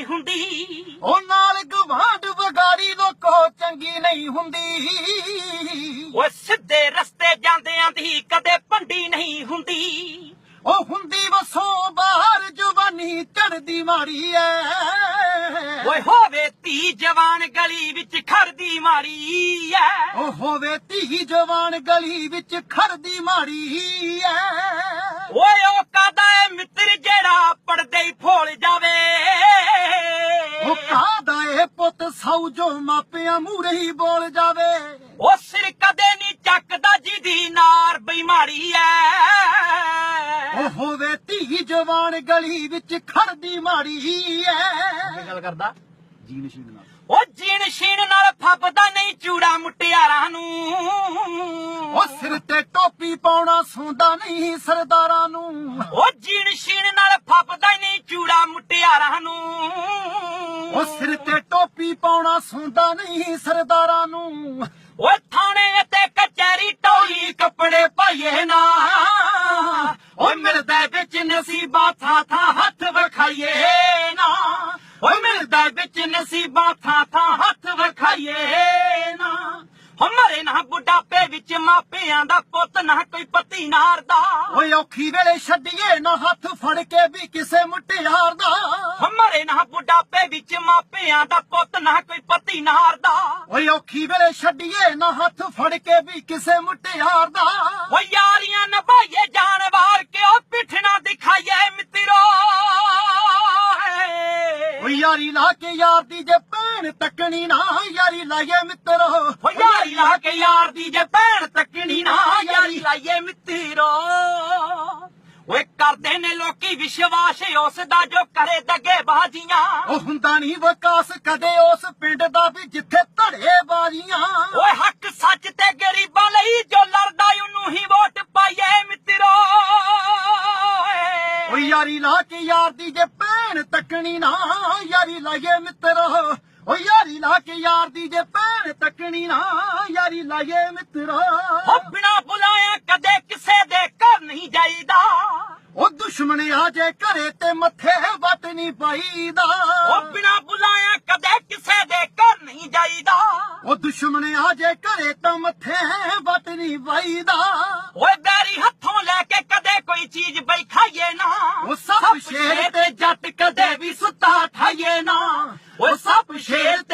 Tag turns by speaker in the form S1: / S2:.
S1: ਹੁੰਦੀ।
S2: ਉਹ ਨਾਲ ਗਵਾਂਢ ਵਿਗਾੜੀ ਲੋਕੋ ਚੰਗੀ ਨਹੀਂ ਹੁੰਦੀ।
S1: ਓਏ ਸਿੱਧੇ ਰਸਤੇ ਜਾਂਦਿਆਂ ਦੀ ਕਦੇ ਭੰਡੀ ਨਹੀਂ ਹੁੰਦੀ।
S2: ਉਹ ਹੁੰਦੀ ਵਸੋਂ ਬਾਹਰ ਜਵਾਨੀ ਚੜਦੀ ਮਾੜੀ ਐ।
S1: ਓਏ ਹੋਵੇ ਧੀ ਜਵਾਨ ਗਲੀ ਵਿੱਚ ਖੜਦੀ ਮਾੜੀ ਐ।
S2: ਉਹ ਹੋਵੇ ਧੀ ਜਵਾਨ ਗਲੀ ਵਿੱਚ ਖੜਦੀ ਮਾੜੀ ਐ।
S1: ਓਏ ਉਹ ਕਾਦਾ ਏ ਮਿੱਤਰ ਜਿਹੜਾ ਪੜਦੇ ਹੀ ਫੋਲ ਜਾਵੇ।
S2: ਉਹ ਕਾਦਾ ਏ ਪੁੱਤ ਸੌ ਜੋ ਮਾਪਿਆਂ ਮੂਹਰੇ ਹੀ ਬੋਲ ਜਾਵੇ।
S1: ਉਹ ਸਿਰ ਕਦੇ ਨਹੀਂ ਚੱਕਦਾ ਜਿਹਦੀ ਨਾਰ ਬੇਮਾਰੀ ਐ।
S2: ਉਹ ਹੋਵੇ ਧੀ ਜਵਾਨ ਗਲੀ ਵਿੱਚ ਖੜਦੀ ਮਾੜੀ ਐ।
S1: ਗੱਲ ਕਰਦਾ
S2: ਜੀਨ ਸ਼ੀਨ ਨਾਲ
S1: ਉਹ ਜੀਣ ਸ਼ੀਣ ਨਾਲ ਫੱਬਦਾ ਨਹੀਂ ਚੂੜਾ ਮੁਟਿਆਰਾਂ ਨੂੰ।
S2: ਉਹ ਸਿਰ ਤੇ ਟੋਪੀ ਪਾਉਣਾ ਸੌਂਦਾ ਨਹੀਂ ਸਰਦਾਰਾਂ ਨੂੰ।
S1: ਉਹ ਜੀਣ ਸ਼ੀਣ ਨਾਲ ਫੱਬਦਾ ਨਹੀਂ ਚੂੜਾ ਮੁਟਿਆਰਾਂ ਨੂੰ।
S2: ਉਹ ਸਿਰ ਤੇ ਟੋਪੀ ਪਾਉਣਾ ਸੌਂਦਾ ਨਹੀਂ ਸਰਦਾਰਾਂ ਨੂੰ।
S1: ਓਏ ਥਾਣੇ ਤੇ ਕਚਹਿਰੀ ਟੋਲੀ ਕੱਪੜੇ ਪਾਈਏ ਨਾ। ਓਏ ਮਿਲਦਾ ਵਿੱਚ ਨਸੀਬਾਂ ਥਾਂ ਥਾਂ ਹੱਥ ਵਿਖਾਈਏ ਨਾ। ਓਏ ਮਿਲਦਾ ਵਿੱਚ ਨਸੀਬਾਂ ਥਾਂ ਥਾਂ ਹੱਥ ਵਿਖਾਈਏ ਨਾ। ਹਮਾਰੇ ਨਾ ਬੁਢਾਪੇ ਵਿੱਚ ਮਾਪਿਆਂ ਦਾ ਪੁੱਤ ਨਾ ਕੋਈ ਪਤੀ ਨਾਰਦਾ।
S2: ਓਏ ਔਖੀ ਵੇਲੇ ਛੱਡੀਏ ਨਾ ਹੱਥ ਫੜ ਕੇ ਵੀ ਕਿਸੇ ਮੁਟਿਆਰ ਦਾ।
S1: ਹਮਾਰੇ ਨਾ ਬੁਢਾਪੇ ਵਿੱਚ ਮਾਪਿਆਂ ਦਾ ਪੁੱਤ ਨਾ ਕੋਈ ਪਤੀ ਨਾਰਦਾ।
S2: ਓਏ ਔਖੀ ਵੇਲੇ ਛੱਡੀਏ ਨਾ ਹੱਥ ਫੜ ਕੇ ਵੀ ਕਿਸੇ ਮੁਟਿਆਰ ਦਾ।
S1: ਓ ਯਾਰੀਆਂ ਨਿਭਾਈਏ ਜਾਨ ਵਾਰ ਕੇ ਉਹ ਪਿੱਠ ਨਾ ਦਿਖਾਈਏ ਮਿੱਤਰੋ।
S2: ਓ ਯਾਰੀ ਲਾ ਕੇ ਯਾਰ ਦੀ ਜੇ ਭੈਣ ਤੱਕਣੀ ਨਾ ਯਾਰੀ ਲਾਈਏ ਮਿੱਤਰੋ।
S1: ਓ ਯਾਰੀ ਲਾ ਕੇ ਯਾਰ ਦੀ ਜੇ ਭੈਣ ਤੱਕਣੀ ਨਾ ਯਾਰੀ ਲਾਈਏ ਮਿੱਤਰੋ। ਓਏ ਕਰਦੇ ਨੇ ਲੋਕੀ ਵਿਸ਼ਵਾਸ ਉਸ ਦਾ ਜੋ ਕਰੇ ਦਗੇ ਬਾਜ਼ੀਆਂ।
S2: ਉਹ ਹੁੰਦਾ ਨਹੀਂ ਵਿਕਾਸ ਕਦੇ ਉਸ ਪਿੰਡ ਦਾ ਵੀ ਜਿੱਥੇ ਧੜੇ ਬਾਜ਼ੀਆਂ।
S1: ਓਏ ਹੱਕ ਸੱਚ ਤੇ ਗਰੀਬਾਂ ਲਈ ਜੋ ਲੜਦਾ ਉਹਨੂੰ ਹੀ ਵੋਟ ਪਾਈਏ ਮਿੱਤਰੋ।
S2: ਓ ਯਾਰੀ ਲਾ ਕੇ ਯਾਰ ਦੀ ਜੇ ਭੈਣ ਤੱਕਣੀ ਨਾ ਯਾਰੀ ਲਾਈਏ ਮਿੱਤਰੋ। ਓ ਯਾਰੀ ਲਾ ਕੇ ਯਾਰ ਦੀ ਜੇ ਭੈਣ ਤੱਕਣੀ ਨਾ ਯਾਰੀ ਲਾਈਏ ਮਿੱਤਰੋ।
S1: ਓ ਬਿਨਾ ਬੁਲਾਇਆ ਕਦੇ ਕਿਸੇ ਦੇ ਘਰ ਨਹੀਂ ਜਾਈਦਾ।
S2: ਉਹ ਦੁਸ਼ਮਣ ਆ ਜੇ ਘਰੇ ਤੇ ਮੱਥੇ ਵੱਟ ਨਹੀਂ ਪਾਈਦਾ।
S1: ਓ ਬਿਨਾ ਬੁਲਾਇਆ ਕਦੇ ਕਿਸੇ ਦੇ ਘਰ ਨਹੀਂ ਜਾਈਦਾ।
S2: ਉਹ ਦੁਸ਼ਮਣ ਆ ਜੇ ਘਰੇ ਤਾਂ ਮੱਥੇ ਵੱਟ ਨਹੀਂ ਪਾਈਦਾ।
S1: ਓਏ ਬੈਰੀ ਹੱਥੋਂ ਲੈ ਕੇ ਕਦੇ ਕੋਈ ਚੀਜ਼ ਬਈ ਖਾਈਏ ਨਾ।
S2: ਉਹ ਸੱਪ ਸ਼ੇਰ ਤੇ ਜੱਟ ਕਦੇ ਵੀ ਸੁੱਤਾ ਠਾਈਏ ਨਾ।
S1: ਓਏ ਸੱਪ ਸ਼ੇਰ ਤੇ